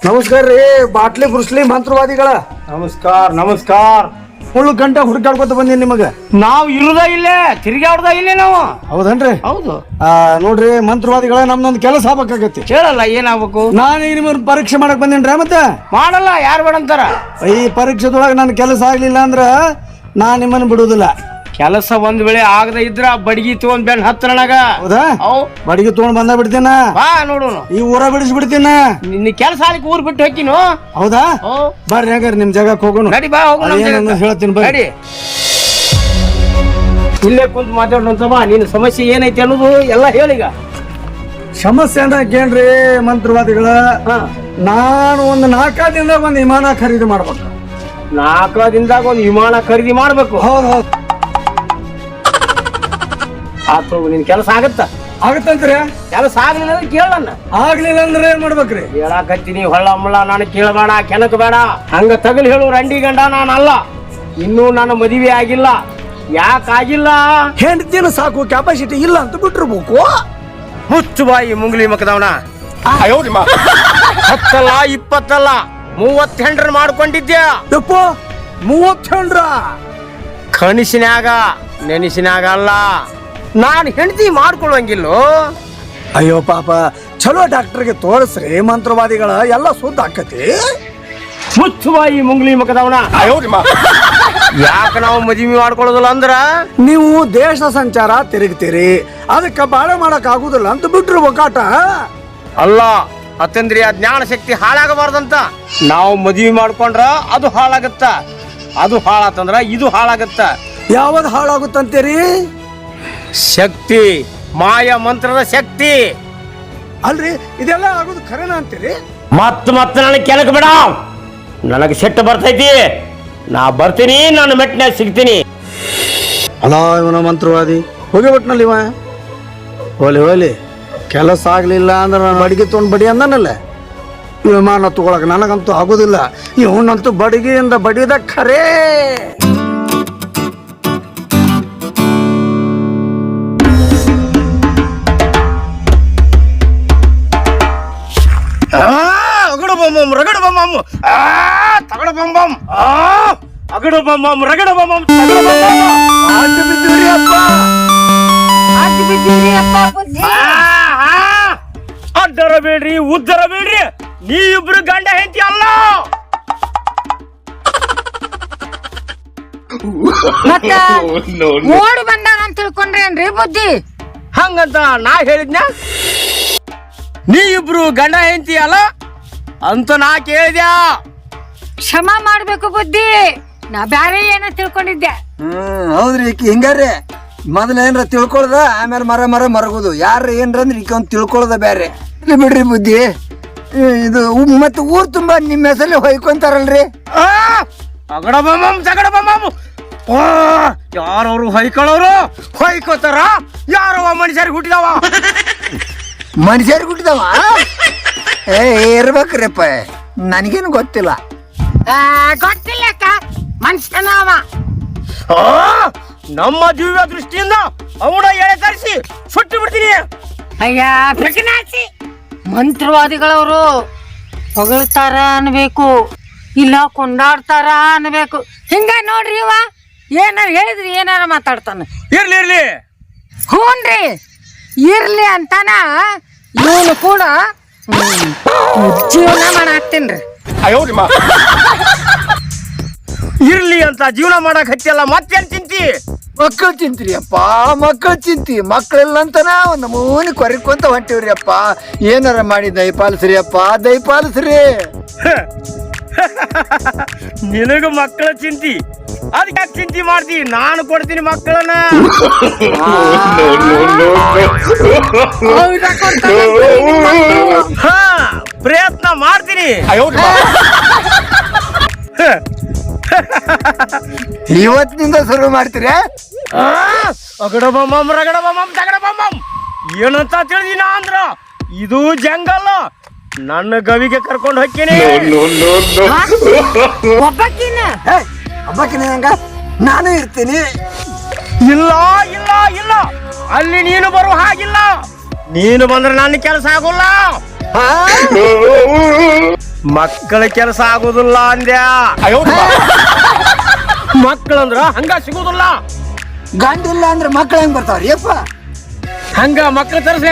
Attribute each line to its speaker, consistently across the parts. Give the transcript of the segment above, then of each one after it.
Speaker 1: ನಮಸ್ಕಾರ ರೀ ಬಾಟ್ಲಿ ಬುರ್ಸ್ಲಿ ಮಂತ್ರವಾದಿಗಳ.
Speaker 2: ನಮಸ್ಕಾರ ನಮಸ್ಕಾರ.
Speaker 1: ಮುಳ್ಳು ಗಂಟೆ ಹುಡುಕಾಡ್ಕೊತ ಬಂದೀನಿ ನಿಮಗ.
Speaker 2: ನಾವು ಇರುದ ಇಲ್ಲೇ ತಿರ್ಗಾಡ್ದ ಇಲ್ಲೇ ನಾವು.
Speaker 1: ಹೌದನ್ರಿ?
Speaker 2: ಹೌದು.
Speaker 1: ನೋಡ್ರಿ ಮಂತ್ರವಾದಿಗಳ, ನಮ್ದೊಂದು ಕೆಲಸ ಆಗ್ಬೇಕಾಗತ್ತೆ.
Speaker 2: ಕೇಳಲ್ಲ ಏನಾಗ್ಬೇಕು?
Speaker 1: ನಾನೀಗ ನಿಮ್ಮನ್ನ ಪರೀಕ್ಷೆ ಮಾಡಕ್ ಬಂದೇನ್ರಿ. ಮತ್ತೆ
Speaker 2: ಮಾಡಲ್ಲ, ಯಾರು ಬೇಡಂತಾರ?
Speaker 1: ಈ ಪರೀಕ್ಷೆದೊಳಗೆ ನನ್ನ ಕೆಲಸ ಆಗ್ಲಿಲ್ಲ ಅಂದ್ರ ನಾನ್ ನಿಮ್ಮನ್ನ ಬಿಡುದಿಲ್ಲ.
Speaker 2: ಕೆಲಸ ಒಂದ್ ವೇಳೆ ಆಗದ ಇದ್ರ ಬಡಗಿ ತಗೊಂಡ್ ಬೆನ್ ಹತ್ರ ನನಗ.
Speaker 1: ಹೌದಾ? ಬಡಿಗೆ ತಗೊಂಡ್ ಬಂದ ಬಿಡ್ತೀನ.
Speaker 2: ಬಾ ನೋಡೋಣ.
Speaker 1: ಈ ಊರ ಬಿಡಿಸ್ಬಿಡ್ತೀನ.
Speaker 2: ನಿನ್ನ ಕೆಲಸ ಆಲಿಕ್ ಊರ್ ಬಿಟ್ಟು ಹೋಗಿನು.
Speaker 1: ಹೌದಾ? ಬರ್ರಿ ಹಂಗಾರ ನಿಮ್ ಜಾಗಕ್ಕೆ ಹೋಗೋಣ.
Speaker 2: ನಡಿ ಬಾ ಹೋಗೋಣ.
Speaker 1: ಹೇಳ್ತೀನಿ ಬರ್ರಿ.
Speaker 2: ಇಲ್ಲೇ ಕುಂತ ಮಾತಾಡೋಣ ಬಾ. ನಿನ್ನ ಸಮಸ್ಯೆ ಏನೈತಿ ಅನ್ನೋದು ಎಲ್ಲ ಹೇಳೀಗ.
Speaker 1: ಸಮಸ್ಯೆ ಅಂತ ಕೇಳ್ರಿ ಮಂತ್ರವಾದಿಗಳ. ನಾನು ಒಂದು 4 ದಿನದಾಗ ಒಂದು ವಿಮಾನ ಖರೀದಿ ಮಾಡ್ಬೇಕು.
Speaker 2: 4 ದಿನದಾಗ ಒಂದು ವಿಮಾನ ಖರೀದಿ ಮಾಡ್ಬೇಕು.
Speaker 1: ಹೌದು ಹೌದು.
Speaker 2: ಆತು, ನಿನ್ ಕೆಲಸ
Speaker 1: ಆಗತ್ತಂತ್ರಿ?
Speaker 2: ಕೆಲಸ ಆಗ್ಲಿಲ್ಲ ಅಂದ್ರೆ ಕೇಳಣ್ಣ.
Speaker 1: ಆಗ್ಲಿಲ್ಲ ಅಂದ್ರೆ ಏನ್ ಮಾಡ್ಬೇಕ್ರಿ?
Speaker 2: ಹೇಳಾಕತ್ತೀನಿ, ಹೊಳ್ಳ ಮುಳ್ಳ ನಾನು ಕೇಳಬೇಡ, ಕೆನಕ್ ಬೇಡ. ಹಂಗ ತಗಲ್ ಹೇಳು ರಂಡಿ ಗಂಡ ನಾನಲ್ಲ. ಇನ್ನೂ ನನ್ನ ಮದುವೆ ಆಗಿಲ್ಲ. ಯಾಕಾಗಿಲ್ಲ?
Speaker 1: ಹೆಂಡತಿನ ಸಾಕು ಕೆಪಾಸಿಟಿ ಇಲ್ಲ ಅಂತ ಬಿಟ್ಟಿರ್ಬೇಕು.
Speaker 2: ಹುಚ್ಚು ಬಾಯಿ ಮುಂಗ್ಲಿ ಮಕದವನ. 10 20 30 ಹೆಂಡ್ರ ಮಾಡ್ಕೊಂಡಿದ್ಯಾ?
Speaker 1: ಯಪ್ಪ, 30 ಹೆಂಡ್ರ?
Speaker 2: ಕನಸಿನ್ಯಾಗ, ನೆನಸಿನ್ಯಾಗ ಅಲ್ಲ. ನಾನು ಹೆಂಡತಿ ಮಾಡ್ಕೊಳ್ಳಂಗಿಲ್ಲೋ.
Speaker 1: ಅಯ್ಯೋ ಪಾಪ, ಚಲೋ ಡಾಕ್ಟರ್ಗೆ ತೋರಿಸ್ರಿ ಮಂತ್ರವಾದಿಗಳ, ಎಲ್ಲ ಸುದ್ದ ಆಕತಿ.
Speaker 2: ಹುಚ್ಚು ಬಾಯಿ ಮುಂಗ್ಲಿ ಮಕದವನ. ಯಾಕೆ ನಾವು ಮದುವೆ ಮಾಡ್ಕೊಳ್ಳೋದಿಲ್ಲ ಅಂದ್ರ,
Speaker 1: ನೀವು ದೇಶ ಸಂಚಾರ ತಿರುಗ್ತೀರಿ, ಅದಕ್ಕೆ ಬಾಳೆ ಮಾಡಕ್ ಆಗುದಿಲ್ಲ ಅಂತ ಬಿಟ್ಟಿರ್ಬೇಕಾಟ.
Speaker 2: ಅಲ್ಲ ಅತಂದ್ರಿ, ಜ್ಞಾನ ಶಕ್ತಿ ಹಾಳಾಗಬಾರ್ದಂತ. ನಾವು ಮದುವೆ ಮಾಡ್ಕೊಂಡ್ರ ಅದು ಹಾಳಾಗತ್ತ, ಅದು ಹಾಳಾತಂದ್ರ ಇದು ಹಾಳಾಗತ್ತ.
Speaker 1: ಯಾವ್ದು ಹಾಳಾಗುತ್ತಂತೀರಿ?
Speaker 2: ಶಕ್ತಿ, ಮಾಯ ಮಂತ್ರದ ಶಕ್ತಿ.
Speaker 1: ಅಲ್ರಿ, ಇದೆಲ್ಲ ಆಗೋದು ಖರೇನ ಅಂತೀರಿ?
Speaker 2: ಮತ್ತ ನನಗೆ ಕೆಳಗೆ ಬಿಡ. ನನಗೆ ಸಿಟ್ಟು ಬರ್ತೈತಿ. ನಾ ಬರ್ತೀನಿ, ನಾನು ಮೆಟ್ಟಿನ ಸಿಗ್ತೀನಿ.
Speaker 1: ಅಲ್ಲ ಇವನ ಮಂತ್ರವಾದಿ ಹೋಗಿಬಿಟ್ನಲ್ಲಿ ಇವ. ಹೋಲಿ ಕೆಲಸ ಆಗ್ಲಿಲ್ಲ ಅಂದ್ರೆ ನಾನು ಬಡಿಗೆ ತೊಗೊಂಡು ಬಡಿ ಅಂದನಲ್ಲ. ವಿಮಾನ ತಗೊಳಕ್ ನನಗಂತೂ ಆಗೋದಿಲ್ಲ. ಇವನಂತೂ ಬಡಿಗೆಯಿಂದ ಬಡಿದ ಖರೇ.
Speaker 2: ಅಗಡು ಬೊಮ್ಮಮ್ ರಗಡು ಬೊಮ್ಮಮ್ ತಗಡ ಬೊಮ್ಮಮ್ ಅಗಡು ಬೊಮ್ಮಮ್ ರಗಡು ಬೊಮ್ಮಮ್ ತಗಡ ಬೊಮ್ಮಮ್. ಅಡ್ಡರ ಬೇಡ್ರಿ, ಉದ್ದರ ಬೇಡ್ರಿ. ನೀವಿಬ್ರು ಗಂಡ ಹೆಂಡತಿ ಅಲ್ಲ.
Speaker 3: ಓಡಿ ಬಂದಾನ ಅಂತ ತಿಳ್ಕೊಂಡ್ರೇನ್ರಿ ಬುದ್ಧಿ?
Speaker 2: ಹಂಗಂತ ನಾ ಹೇಳಿದ್ನ? ನೀವಿಬ್ರು ಗಂಡ ಹೆಂಡತಿ ಅಲ್ಲ ಅಂತ ನಾ ಕೇಳಿದ್ಯಾ?
Speaker 3: ಕ್ಷಮ ಮಾಡ್ಬೇಕು ಬುದ್ಧಿ. ನಾ ಬ್ಯಾರೆ ಏನ ತಿಳ್ಕೊಂಡಿದ್ದೆ.
Speaker 1: ಹೌದ್ರಿ. ಈಕಿ ಹಿಂಗಾರಿ ಮೊದಲ ಏನ್ರ ತಿಳ್ಕೊಳ್ದ, ಆಮೇಲೆ ಮರಗುದು. ಯಾರ ಏನ್ರ ಅಂದ್ರೆ ಈಕ ಒಂದು ತಿಳ್ಕೊಳ್ದ ಬ್ಯಾರೆ. ಇಲ್ಲಿ ಬಿಡ್ರಿ ಬುದ್ಧಿ. ಇದು ಮತ್ತೆ ಊರ್ ತುಂಬಾ ನಿಮ್ಮ ಹೆಸರಲ್ಲಿ ಹೊಯ್ಕೊಂತಾರಲ್ರಿ.
Speaker 2: ಅಗಡ ಬೊಮ್ಮಮ್ ತಗಡ ಬೊಮ್ಮಮ್. ಯಾರವ್ರು ಹೊಯ್ಕೊಳ್ಳೋರು? ಹೊಯ್ಕೋತಾರ. ಯಾರವ ಮನುಷ್ಯರಿಗೆ ಹುಟ್ಟಿದವ?
Speaker 1: ಮನುಷ್ಯರಿಗೆ ಹುಟ್ಟಿದವ ಇರ್ಬೇಕ್ರಿಪ್ಪ. ನನಗೇನು ಗೊತ್ತಿಲ್ಲ.
Speaker 3: ಗೊತ್ತಿಲ್ಲ ಅಕ್ಕ, ಮನುಷ್ಯನ ಅವ.
Speaker 2: ನಮ್ಮ ದಿವ್ಯ ದೃಷ್ಟಿಯಿಂದ ಅವನ ಎಳೆ ತರಿಸಿ ಸುಟ್ಟು ಬಿಡ್ತೀನಿ.
Speaker 3: ಅಯ್ಯ ಪ್ರಜ್ಞಾಸಿ, ಮಂತ್ರವಾದಿಗಳವರು ಹೊಗಳ್ತಾರ ಅನ್ಬೇಕು, ಇಲ್ಲ ಕೊಂಡಾಡ್ತಾರ ಅನ್ಬೇಕು. ಹಿಂಗ ನೋಡ್ರಿ, ಇವ ಏನಾರ ಹೇಳಿದ್ರಿ ಏನಾರ ಮಾತಾಡ್ತಾನ.
Speaker 2: ಇರ್ಲಿ
Speaker 3: ಹೂನ್ರಿ, ಇರ್ಲಿ ಅಂತಾನ ಇವನು ಕೂಡ ಜೀವನ ಮಾಡಾಕ್ತೀನ್ರಿ.
Speaker 2: ಇರ್ಲಿ ಅಂತ ಜೀವನ ಮಾಡಕ್ ಹತ್ತಿಯಲ್ಲ, ಮತ್ತೇನ್ ಚಿಂತಿ?
Speaker 1: ಮಕ್ಕಳು ಚಿಂತ್ರಿ ಅಪ್ಪ, ಮಕ್ಕಳು ಚಿಂತಿ. ಮಕ್ಕಳಿಲ್ಲ ಅಂತನ ಒಂದು ಮೂನಿ ಕೊರಿಕೊಂತ ಹೊಂಟಿವ್ರಿ ಅಪ್ಪ. ಏನಾರ ಮಾಡಿ ದಯಪಾಲಿಸ್ರಿ ಅಪ್ಪ, ದಯಪಾಲಿಸ್ರಿ.
Speaker 2: ನಿನಗ ಮಕ್ಕಳ ಚಿಂತಿ, ಅದಕ್ಕೆ ಯಾಕೆ ಚಿಂತಿ ಮಾಡ್ತಿ? ನಾನು ಕೊಡ್ತೀನಿ ಮಕ್ಕಳನ್ನ. ಪ್ರಯತ್ನ ಮಾಡ್ತೀನಿ.
Speaker 1: ಇವತ್ತಿನಿಂದ ಶುರು ಮಾಡ್ತೀರಿ?
Speaker 2: ಅಗಡ ಬೊಮ್ಮಮ್ ರಗಡ ಬೊಮ್ಮಮ್ ತಗಡ ಬೊಮ್ಮಮ್. ಏನಂತ ತಿಳಿದಿನ ಅಂದ್ರ, ಇದು ಜಂಗಲ್. ನನ್ನ ಗವಿಗೆ ಕರ್ಕೊಂಡು ಹೋಗ್ತೀನಿ.
Speaker 3: ಒಬ್ಬಕ್ಕಿನ
Speaker 1: ಹಬ್ಬಕ್ಕಿನ ಹೆಂಗ ನಾನು ಇರ್ತೀನಿ.
Speaker 2: ಇಲ್ಲ ಇಲ್ಲ ಇಲ್ಲ, ಅಲ್ಲಿ ನೀನು ಬರುವ ಹಾಗಿಲ್ಲ. ನೀನು ಬಂದ್ರೆ ನನ್ನ ಕೆಲಸ ಆಗೋಲ್ಲ. ಮಕ್ಕಳ ಕೆಲಸ ಆಗುದಿಲ್ಲ ಅಂದ್ಯಾ ಮಕ್ಕಳಂದ್ರ ಹಂಗ ಸಿಗುದಿಲ್ಲ.
Speaker 1: ಗಂಡಿಲ್ಲ ಅಂದ್ರೆ ಮಕ್ಳು ಹೆಂಗ್ ಬರ್ತಾವ್ರಿ ಯಪ್ಪ?
Speaker 2: ಹಂಗ ಮಕ್ಕಳ ತರಸ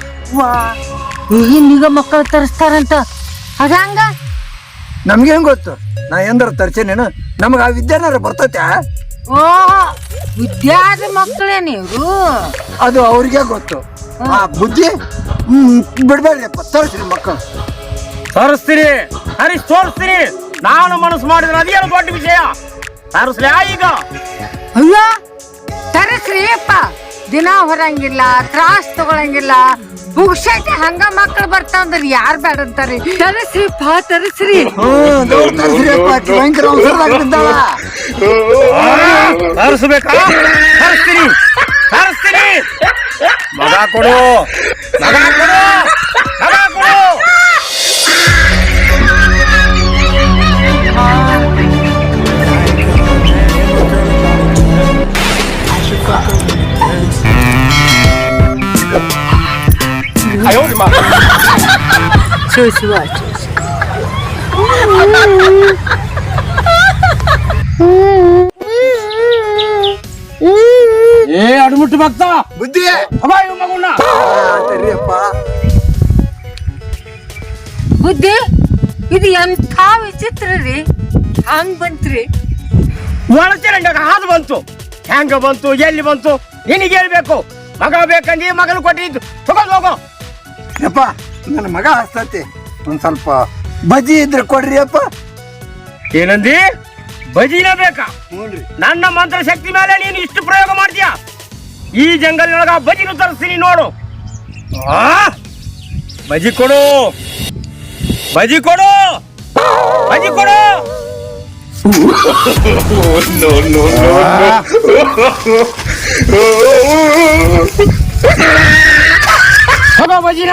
Speaker 3: ಈಗಿನ ಮಕ್ಕಳು ತರಿಸ್ತಾರಂತ ಅದಂಗ
Speaker 1: ನಮ್ಗೇನ್ ಗೊತ್ತು? ನಾ ಎಂದಾರ ತರ್ಸೇನೇನು? ನಮಗ ಆ ವಿದ್ಯಾನಾರ ಬರ್ತೈತೆ?
Speaker 3: ಓ ವಿದ್ಯಾದ ಮಕ್ಕಳೇನ ಇವ್ರು?
Speaker 1: ಅದು ಅವ್ರಿಗೆ ಗೊತ್ತು. ಆ ಬುದ್ಧಿ ಬಿಡ್ಬೇಡ್ರಿಪ್ಪ, ತೋರಿಸ್ರಿ ಮಕ್ಕಳು.
Speaker 2: ತೋರಿಸ್ತೀನಿ, ಹರೀಶ್ ತೋರಿಸ್ತೀನಿ. ನಾನು ಮನಸ್ಸು ಮಾಡಿದ್ರೆ ಅದೇನು ದೊಡ್ಡ ವಿಷಯ. ತರಿಸ್ಲಿ ಈಗ?
Speaker 3: ಅಯ್ಯೋ ತರಿಸ್ರಿ ಅಪ್ಪ. ದಿನ ಹೊರಂಗಿಲ್ಲ, ತ್ರಾಸ್ ತಗೊಳಂಗಿಲ್ಲ, ಬುಗ್ಸೈತೆ ಹಂಗ ಮಕ್ಕಳು ಬರ್ತಾವಂದ್ರ ಯಾರ್ ಬೇಡ ಅಂತಾರಿ. ತರಿಸ್ರಿಪ್ಪ ತರಿಸ್ರಿ.
Speaker 2: ತರಿಸ್ಬೇಕಾ? ತರಿಸ್ತೀನಿ ತರಿಸ್ತೀನಿ. ಮಗ ಕೊಡು, ಮಗ ಕೊಡು, ಮಗ ಕೊಡು. ಏ ಅಡ್ಮುಟ್ಟು ಭಕ್ತ
Speaker 1: ಬುದ್ಧಿ
Speaker 2: ಮಗುಣ್ಣ
Speaker 3: ಬುದ್ಧಿ ಇದು ಎಂಥ ವಿಚಿತ್ರ ರೀ. ಹಂಗ್ ಬಂತ್ರಿ?
Speaker 2: ಒಳಚರಂಡಾಗ ಹಾದು ಬಂತು. ಹೆಂಗ ಬಂತು, ಎಲ್ಲಿ ಬಂತು ನಿನಗೆ ಹೇಳ್ಬೇಕು. ಮಗ ಬೇಕಂದಿ ಮಗನ ಕೊಟ್ಟಿದ್ದು ತಗೊಂಡ್ ಹೋಗೋ.
Speaker 1: ಯಪ್ಪ ನನ್ನ ಮಗ ಹಸ್ತತಿ, ಒಂದ್ ಸ್ವಲ್ಪ ಬಜ್ಜಿ ಇದ್ರೆ ಕೊಡ್ರಿ ಅಪ್ಪ.
Speaker 2: ಏನಂದಿ? ಬಜಿನ ಬೇಕಾ? ನನ್ನ ಮಂತ್ರ ಶಕ್ತಿ ಮೇಲೆ ನೀನು ಇಷ್ಟು ಪ್ರಯೋಗ ಮಾಡ್ತೀಯ? ಈ ಜಂಗಲ್ನೊಳಗ ಬಜಿನು ತರಿಸ್ತೀನಿ ನೋಡು. ಬಜಿ ಕೊಡು, ಬಜಿ ಕೊಡು, ಬಜಿ ಕೊಡು. ಹೋಗೋ ಬಜಿನ.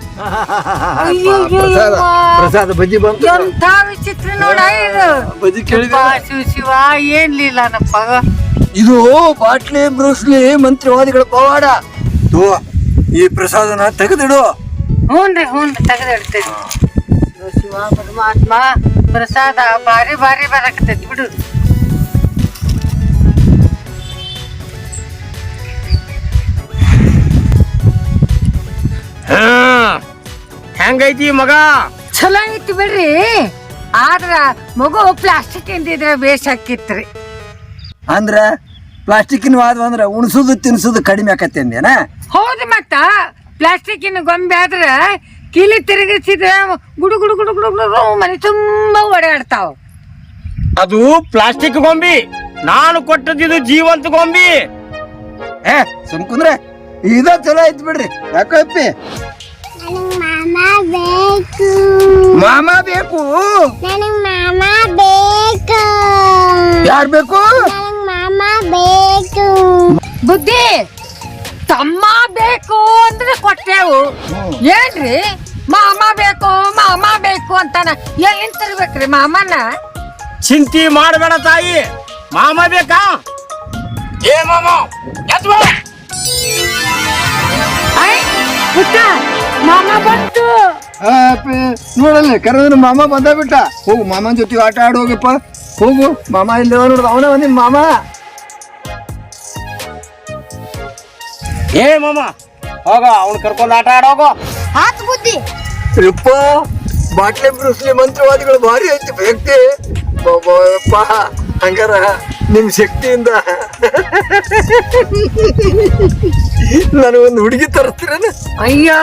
Speaker 1: ಪ್ರಸಾದ ಬಜ್ಜಿ ಬಂತು.
Speaker 3: ಎಂಥ ವಿಚಿತ್ರ ನೋಡ ಇದು.
Speaker 1: ಬಜ್ಜಿ ಕೇಳಿದ
Speaker 3: ಶಿವ ಶಿವ ಏನ್ಲಿಲ್ಲನಪ್ಪ.
Speaker 1: ಇದು ಬಾಟ್ಲಿ ಬ್ರೂಸ್ಲಿ ಮಂತ್ರಿವಾದಿಗಳ ಪವಾಡ. ಈ ಪ್ರಸಾದನ ತೆಗೆದಿಡು.
Speaker 3: ಹ್ಞೂನ್ರಿ ತೆಗೆದಿಡ್ತೇನೆ. ಶಿವ ಪರಮಾತ್ಮ ಪ್ರಸಾದ ಭಾರಿ ಭಾರಿ ಬರಕತ್ತೈತಿ ಬಿಡು.
Speaker 2: ಹೆಂಗೈತಿ ಮಗ?
Speaker 3: ಚಲೋ ಐತಿ ಬಿಡ್ರಿ. ಆದ್ರ ಮಗು ಪ್ಲಾಸ್ಟಿಕ್ ಇಂದಿದ್ರೆ ಬೇಸ್ ಹಾಕಿತ್ರಿ.
Speaker 1: ಅಂದ್ರ ಪ್ಲಾಸ್ಟಿಕ್ಕಿನ ವಾದ ಅಂದ್ರ ಉಣಸುದು ತಿನ್ಸುದು ಕಡಿಮೆ ಆಕತ್ತೆ ಅಂದೇನ?
Speaker 3: ಹೌದು, ಮತ್ತ ಪ್ಲಾಸ್ಟಿಕ್ಕಿನ ಗೊಂಬೆ ಆದ್ರ ಕಿಲಿ ತಿರುಗಿಸಿದ್ರೆ ಗುಡು ಗುಡು ಗುಡು ಗುಡು ಗುಡು ಮನೆ ತುಂಬಾ ಓಡಾಡ್ತಾವ.
Speaker 2: ಅದು ಪ್ಲಾಸ್ಟಿಕ್ ಗೊಂಬಿ, ನಾನು ಕೊಟ್ಟದಿದು ಜೀವಂತ ಗೊಂಬಿ.
Speaker 1: ಸುಮ್ಕುಂದ್ರೆ ಇದ ಚಲೋ ಐತಿ ಬಿಡ್ರಿ. ಯಾಕೋ ಅಪ್ಪಿ? ಮಾಮ ಬೇಕು. ಯಾರ್ ಬೇಕು?
Speaker 3: ಬುದ್ಧಿ ತಮ್ಮ ಬೇಕು ಅಂದ್ರೆ ಕೊಟ್ಟೆವು. ಏನ್ರಿ ಮಾಮ ಬೇಕು ಅಂತಾನ? ಎಲ್ಲಿಂದ ತರ್ಬೇಕ್ರಿ ಮಾಮನ?
Speaker 2: ಚಿಂತಿ ಮಾಡಬೇಡ ತಾಯಿ. ಮಾಮ ಬೇಕಾ? ಏ ಮಾಮ ಎದ್ದು ಬಾ.
Speaker 3: ಪುಟ್ಟ ಮಾಮ ಬಂತು.
Speaker 1: ನೋಡಲ್ಲ ಕರೆದ್ರೆ ಮಾಮ ಬಂದ ಬಿಟ್ಟ. ಹೋಗು ಮಾಮನ ಜೊತೆ ಆಟ ಆಡ್ ಹೋಗಪ್ಪ. ಹೋಗು, ಮಾಮ ಇಲ್ಲ ನೋಡ್ದ, ಅವನ ಬಂದಿನ ಮಾಮ.
Speaker 2: ಏ ಮಾಮ ಹೋಗ, ಅವ್ನು ಕರ್ಕೊಂಡು ಆಟ ಆಡೋಗೋ.
Speaker 3: ಆತ್ ಬುದ್ಧಿ.
Speaker 1: ಯಪ್ಪ ಬಾಟ್ಲಿ ಬ್ರೂಸ್ಲಿ ಮಂತ್ರವಾದಿಗಳು ಭಾರಿ ಐತಿ ವ್ಯಕ್ತಿ. ಯಪ್ಪ ಹಂಗಾರ ನಿಮ್ ಶಕ್ತಿಯಿಂದ ನನಗೊಂದು ಹುಡುಗಿ ತರಿಸ್ತೀರೇನ?
Speaker 3: ಅಯ್ಯೋ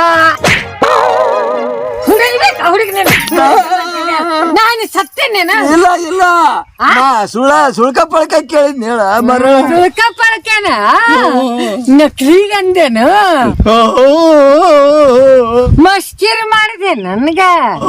Speaker 3: ಹುಡುಗಿ ನಾನು ಸತ್ತೇನೇನ?
Speaker 1: ಇಲ್ಲ ಸುಳ್ಕ ಪಳ್ಕ ಕೇಳಿದ್ನ ಹೇಳ ಮರ.
Speaker 3: ಸುಳ್ಕ ಪಳ್ಕೇನ ನಕ್ಲಿಗಂದೇನು? ಮಸ್ಕಿರ್ ಮಾಡಿದೆ ನನ್ಗ.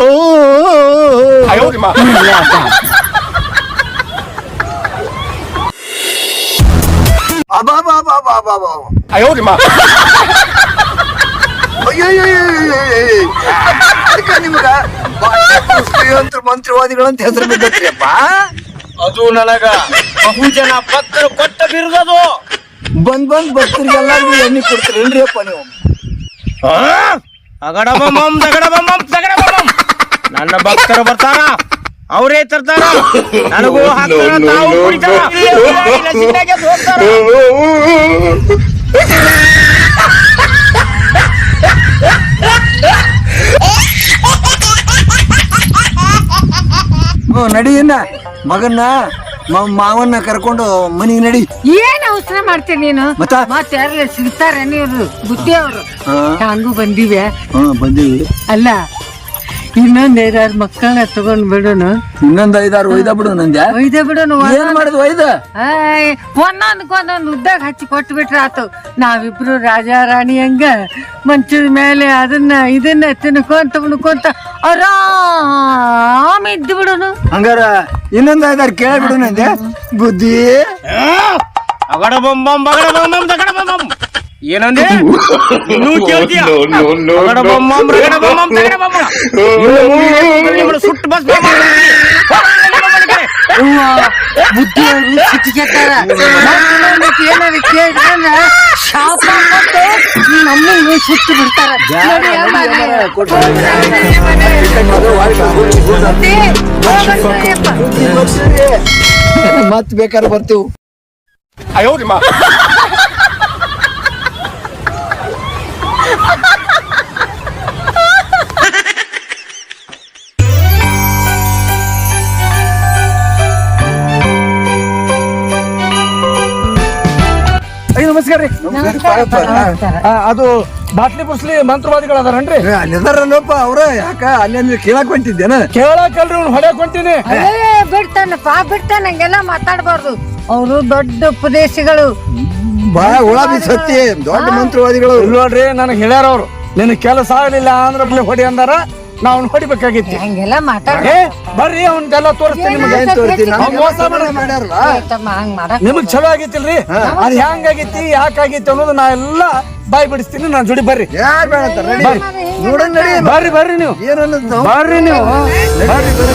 Speaker 1: ನಿಮಗ ಮಂತ್ರವಾದಿಗಳಂತ ಹೆಸರು ಬಿದ್ದತ್ರಿಯಪ್ಪ.
Speaker 2: ಅದು ನನಗ ಬಹುಜನ ಪತ್ರ ಕೊಟ್ಟ ಬಿರುದದು.
Speaker 1: ಬಂದ್ ಭಕ್ತರಿಗೆಲ್ಲರಿಗೂ ಎಣ್ಣೆ ಕೊಡ್ತೀರೇನ್ರಿ ಅಪ್ಪ ನೀವು?
Speaker 2: ಅಗಡ ಬಮ್ಮಂ ದಗಡ ಬಮ್ಮಂ ದಗಡ ಬಮ್ಮಂ. ನನ್ನ ಭಕ್ತರು ಬರ್ತಾರ, ಅವರೇ ತರ್ತಾರ, ನನಗೂ ಹಾಕ್ತಾರ, ತಾವು ಕುಡಿತಾರ, ಇಲ್ಲ ಸಿಟ್ಟಾಗಿ ಎದ್ದು ಹೋಗ್ತಾರ.
Speaker 4: ನಡಿ ಇನ್ನ ಮಗನ್ನ ಮಾವನ್ನ ಕರ್ಕೊಂಡು ಮನಿಗೆ ನಡಿ.
Speaker 3: ಏನ್ ಅವಸರ ಮಾಡ್ತೀನಿ ನೀನು? ಮತ್ತೆ ಯಾರಲ್ಲ ಸಿಗ್ತಾರ ನೀವು ಬುದ್ಧಿ ಅವರು ಹಂಗೂ ಬಂದಿವೆ.
Speaker 4: ಬಂದೀವಿ.
Speaker 3: ಅಲ್ಲ ಇನ್ನೊಂದ್ 5-6 ಮಕ್ಕಳನ್ನ ತಗೊಂಡ್ ಬಿಡೋನು.
Speaker 4: ಇನ್ನೊಂದ್ 5-6 ಒಯ್ದ ಬಿಡು ನಂದ್ಯಾ.
Speaker 3: ಒಯ್ದ ಬಿಡೋನು.
Speaker 4: ಏನ್ ಮಾಡುದು ಒಯ್ದ?
Speaker 3: ಒಂದೊಂದ್ ಉದ್ದಾಗ ಹಚ್ಚಿ ಕೊಟ್ಟು ಬಿಟ್ರ ಆತು. ನಾವಿಬ್ರು ರಾಜ ರಾಣಿ ಹಂಗ ಮಂಚದ ಮೇಲೆ ಇದನ್ನ ತಿನ್ಕೊಂತ ಉಣ್ಕೊಂತ ಆರಾಮ ಇದ್ದು ಬಿಡೋನು.
Speaker 4: ಹಂಗಾರ ಇನ್ನೊಂದ್ 5-6 ಕೇಳ್ಬಿಡು ನಂದೆ ಬುದ್ಧಿ.
Speaker 2: ಅಗಡ ಬೊಂಬಂ ಬಗಡ ಬೊಂಬಂ ದಗಡ ಬೊಂಬಂ ಏನಂದೆ? ಇನ್ನೂ ಕೇಳ್ತೀಯ? ಅಗಡ ಬೊಂಬಂ ರಗಡ ಬೊಂಬಂ ದಗಡ ಬೊಂಬಂ ಇನ್ನು ಸುಟ್ಟು ಬಸ್
Speaker 3: ಬುದ್ಧಿ ಸಿಟ್ಟಿಗೆಟ್ಟಾರ. ಏನಾದ್ರು ಕೇಳಿದ್ರೆ ಶಾಪ ಕೊಟ್ಟು ನಮ್ಮನ್ನು ಸುಟ್ಟು ಬಿಡ್ತಾರ.
Speaker 4: ಮತ್ ಬೇಕಾದ್ರೆ ಬರ್ತೀವಿ.
Speaker 1: ನಮಸ್ಕಾರ ರೀ. ಅದು ಬಾಟ್ಲಿ ಬುಸ್ಲಿ ಮಂತ್ರವಾದಿಗಳು ಅದಾರನ್ರಿ?
Speaker 4: ಅಲ್ಲಿದಾರಲ್ಲಪ್ಪ ಅವ್ರ. ಯಾಕ ಅಲ್ಲಿ ಕೇಳಕ್ ಹೊಂಟಿದ್ದೇನ?
Speaker 1: ಕೇಳಕಲ್ರಿ ಅವ್ನು ಹೊಡ್ಯಾಕ್ ಹೊಂಟೀನಿ.
Speaker 3: ಬಿಡ್ತಾನಪ್ಪ ಬಿಡ್ತಾನ. ಹಂಗೆಲ್ಲ ಮಾತಾಡ್ಬಾರ್ದು. ಅವರು ದೊಡ್ಡ ಉಪದೇಶಗಳು.
Speaker 4: ಬಾಳ ಹುಳ ಬಿಸತ್ತಿ ದೊಡ್ಡ ಮಂತ್ರವಾದಿಗಳು.
Speaker 1: ನೋಡ್ರಿ ನನಗೆ ಹೇಳ್ಯಾರ ಅವ್ರು, ನಿನ್ ಕೆಲಸ ಆಗ್ಲಿಲ್ಲ ಅಂದ್ರೆ ಹೊಡಿ ಅಂದಾರ. ನಾವ್ ಹೊಡಿಬೇಕಾಗಿತ್ತು.
Speaker 3: ಹಂಗೆಲ್ಲ
Speaker 1: ಬರ್ರಿ ಅವ್ನೆಲ್ಲ ತೋರಿಸ್ತೀನಿ ನಿಮಗೆ. ಮೋಸ
Speaker 4: ಮಾಡ್ಯಾರಲ್ಲ
Speaker 1: ನಿಮಗ್ ಚಲೋ ಆಗಿತ್ತಿಲ್ರಿ? ಅದ್ ಹೆಂಗ್ ಆಗೈತಿ ಯಾಕಾಗೈತಿ ಅನ್ನೋದು ನಾ ಎಲ್ಲಾ ಬಾಯ್ ಬಿಡಿಸ್ತೀನಿ. ನಾನ್ ಜೋಡಿ ಬರ್ರಿ.
Speaker 4: ಯಾರ್ ಬೇಡ ನೋಡೋಣ ನಡಿ.
Speaker 1: ಬರ್ರಿ ಬರ್ರಿ ನೀವು
Speaker 4: ಏನನ್ನೋದು
Speaker 1: ಬರ್ರಿ ನೀವು ಬರ್ರಿ ಬರ್ರಿ.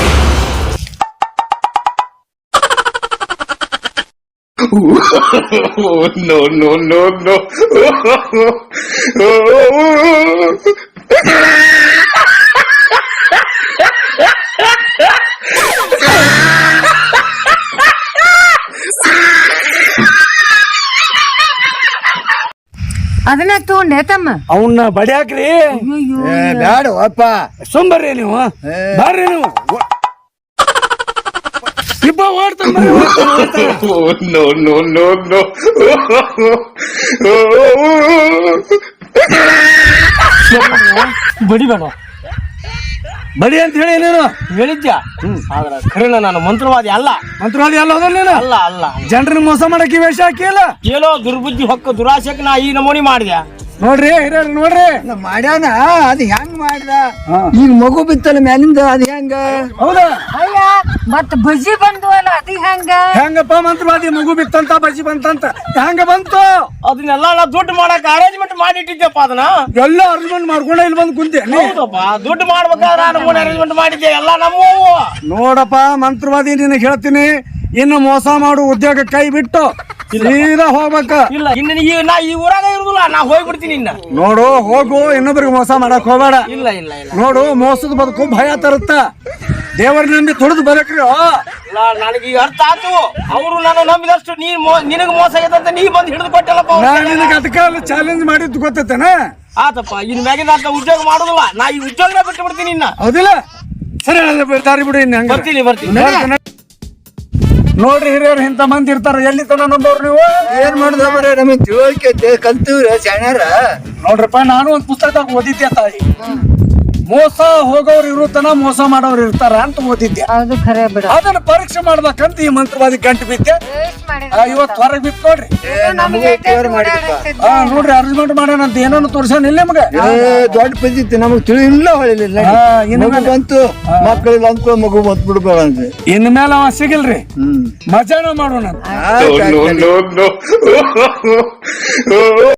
Speaker 5: No, no, no, no.
Speaker 3: ಅದನ್ನ ತಗೊಂಡೆ ತಮ್ಮ.
Speaker 1: ಅವನ್ನ ಬಡಿಯಾಕ್ರಿ.
Speaker 4: ಬ್ಯಾಡ ಅಪ್ಪ.
Speaker 1: ಸುಂಬರ್ರಿ ನೀವು ಬರ್ರಿ ನೀವು. ಇಬ್ಬ ಓಡ್ತಾನ.
Speaker 5: No, no, no, no.
Speaker 2: ಬಡಿಬೇಡ
Speaker 1: ಬಡಿ ಅಂತ ಹೇಳಿ ನೀನು
Speaker 2: ಹೇಳಿದ್ಯಾ? ಆದ್ರ ಖರೇನ ನಾನು ಮಂತ್ರವಾದಿ ಅಲ್ಲ.
Speaker 1: ಮಂತ್ರವಾದಿ ಅಲ್ಲ ಹೋದಲ್ಲ ನೀನು?
Speaker 2: ಅಲ್ಲ ಅಲ್ಲ.
Speaker 1: ಜನರನ್ನ ಮೋಸ ಮಾಡಕ್ಕೆ ವೇಷ ಹಾಕಿಲ್ಲ.
Speaker 2: ಏನೋ ದುರ್ಬುದ್ಧಿ ಹೊಕ್ಕ ದುರಾಶಕ್ಕೆ ನಾ ಈ ನಮೂನಿ ಮಾಡಿದ್ಯಾ?
Speaker 1: ನೋಡ್ರಿ ಹಿರಿಯರ್ ನೋಡ್ರಿ
Speaker 4: ಮಾಡ್ಯಾನ. ಅದ್ ಹೆಂಗ್ ಮಾಡ್ದ? ಈಗ ಮಗು ಬಿತ್ತಲ್ಲ ಮ್ಯಾಲಿಂದ ಅದ್ ಹೆಂಗ?
Speaker 1: ಹೌದಾ?
Speaker 3: ಅಯ್ಯ ಮತ್ ಬಜ್ಜಿ ಬಂದು ಅಲ್ಲ ಅದು ಹೆಂಗ?
Speaker 1: ಹೆಂಗಪ್ಪ ಮಂತ್ರವಾದಿ ಮಗು ಬಿತ್ತಂತ ಬಜ್ಜಿ ಬಂತಂತ ಹೆಂಗ ಬಂತು?
Speaker 2: ಅದನ್ನೆಲ್ಲ ನಾ ದುಡ್ಡು ಮಾಡಕ್ ಅರೇಂಜ್ಮೆಂಟ್ ಮಾಡಿಟ್ಟಿದ್ದೆಪ್ಪ. ಅದನ್ನ
Speaker 1: ಎಲ್ಲ ಅರೇಂಜ್ಮೆಂಟ್ ಮಾಡ್ಕೊಂಡ ಇಲ್ಲಿ ಬಂದು ಕುಂತೆ.
Speaker 2: ಹೌದಪ್ಪ, ದುಡ್ಡು ಮಾಡ್ಬೇಕಾದ್ರೆ ನಮೂನಿ ಅರೇಂಜ್ಮೆಂಟ್ ಮಾಡಿದ್ದೆ ಎಲ್ಲ ನಮ್ಮ.
Speaker 1: ನೋಡಪ್ಪ ಮಂತ್ರವಾದಿ ನಿನಗೆ ಹೇಳ್ತೀನಿ, ಇನ್ನು ಮೋಸ ಮಾಡು ಉದ್ಯೋಗ ಕೈ ಬಿಟ್ಟು ಸೀದಾ ಹೋಗ್ಬೇಕ.
Speaker 2: ಇಲ್ಲ ಇನ್ನು ನಾ ಈ ಊರಾಗ ಇರುದಿಲ್ಲ, ನಾ ಹೋಗ್ಬಿಡ್ತೀನಿ ಇನ್ನ.
Speaker 1: ನೋಡು ಹೋಗು, ಇನ್ನೊಬ್ರಿಗೆ ಮೋಸ ಮಾಡಕ್ ಹೋಗ್ಬೇಡ.
Speaker 2: ಇಲ್ಲ ಇಲ್ಲ ಇಲ್ಲ.
Speaker 1: ನೋಡು ಮೋಸದ ಬದುಕು ಭಯ ತರುತ್ತ. ದೇವರ ನಂಬಿ ತುಳಿದು ಬರಕ್ರಿ.
Speaker 2: ಇಲ್ಲ ನನಗೆ ಈಗ ಅರ್ಥ ಆತು. ಅವರು ನಾನು ನಂಬಿದಷ್ಟು ನಿನಗೆ ಮೋಸ ಆಗೈತಂತ ನೀ ಬಂದು ಹಿಡಿದು ಕೊಟ್ಟಲ್ಲಪ್ಪ.
Speaker 1: ನಾನು ನಿನಗೆ ಅದಕ್ಕೆ ಚಾಲೆಂಜ್ ಮಾಡಿದ್ದು ಗೊತ್ತೈತೇನ?
Speaker 2: ಆತಪ್ಪ, ಇನ್ ಮ್ಯಾಗಿಂದ ಅಂತ ಉದ್ಯೋಗ ಮಾಡುದಿಲ್ಲ. ನಾ ಈ ಉದ್ಯೋಗನ ಬಿಟ್ಟು ಬಿಡ್ತೀನಿ ಇನ್ನ.
Speaker 1: ಹೌದಿಲ್ಲ? ಸರಿ ದಾರಿ ಬಿಡು. ಇನ್ನು
Speaker 2: ಬರ್ತೀನಿ ಬರ್ತೀನಿ.
Speaker 1: ನೋಡ್ರಿ ಹಿರಿಯರು ಇಂತ ಮಂದಿ ಇರ್ತಾರ. ಎಲ್ಲಿ ತನ ನಂಬೋರು ನೀವು?
Speaker 4: ಏನ್ ಮಾಡುದ ಬರೀ ನಮಗ್ ತಿಳುವಳಿಕೆ ಕಲ್ತಿವ್ರ ಶಾಣ್ಯಾರ.
Speaker 1: ನೋಡ್ರಪ್ಪ, ನಾನು ಒಂದ್ ಪುಸ್ತಕದಾಗ ಓದಿದ್ದೆ ತಾಯಿ. ಮೋಸ ಹೋಗೋರು ಇರುತ್ತನ ಮೋಸ ಮಾಡೋರು ಇರ್ತಾರ ಅಂತ ಓದಿದ್ದೆ.
Speaker 3: ಅದು ಖರೆ ಬಿಡ.
Speaker 1: ಅದನ್ನ ಪರೀಕ್ಷೆ ಮಾಡ್ಬೇಕಂತ ಈ ಮಂತ್ರವಾದಿ ಗಂಟು ಬಿದ್ದೆ. ಇವತ್ತು ಹೊರಗೆ ಬಿತ್ತು ನೋಡ್ರಿ. ನೋಡ್ರಿ ಅರೇಂಜ್ಮೆಂಟ್ ಮಾಡ್ಯಾನಂತ ಏನನ್ನು ತೋರ್ಸಾನ ಇಲ್ಲ ನಮಗ.
Speaker 4: ದೊಡ್ಡ ಪದ್ಧತಿ ನಮಗ್ ತಿಳಿಲ್ಲ ಹೊಳಿಲಿಲ್ಲ. ಬಂತು ಮಕ್ಕಳಿಲ್ಲ ಅಂದ್ಕೊ ಮಗು ಬಂತ್ ಬಿಡ್ಬೇಕಂತ.
Speaker 1: ಇನ್ ಮೇಲೆ ಅವ ಸಿಗಲ್ರಿ. ಮಜಾನ ಮಾಡೋಣ.
Speaker 5: No, no, no, no.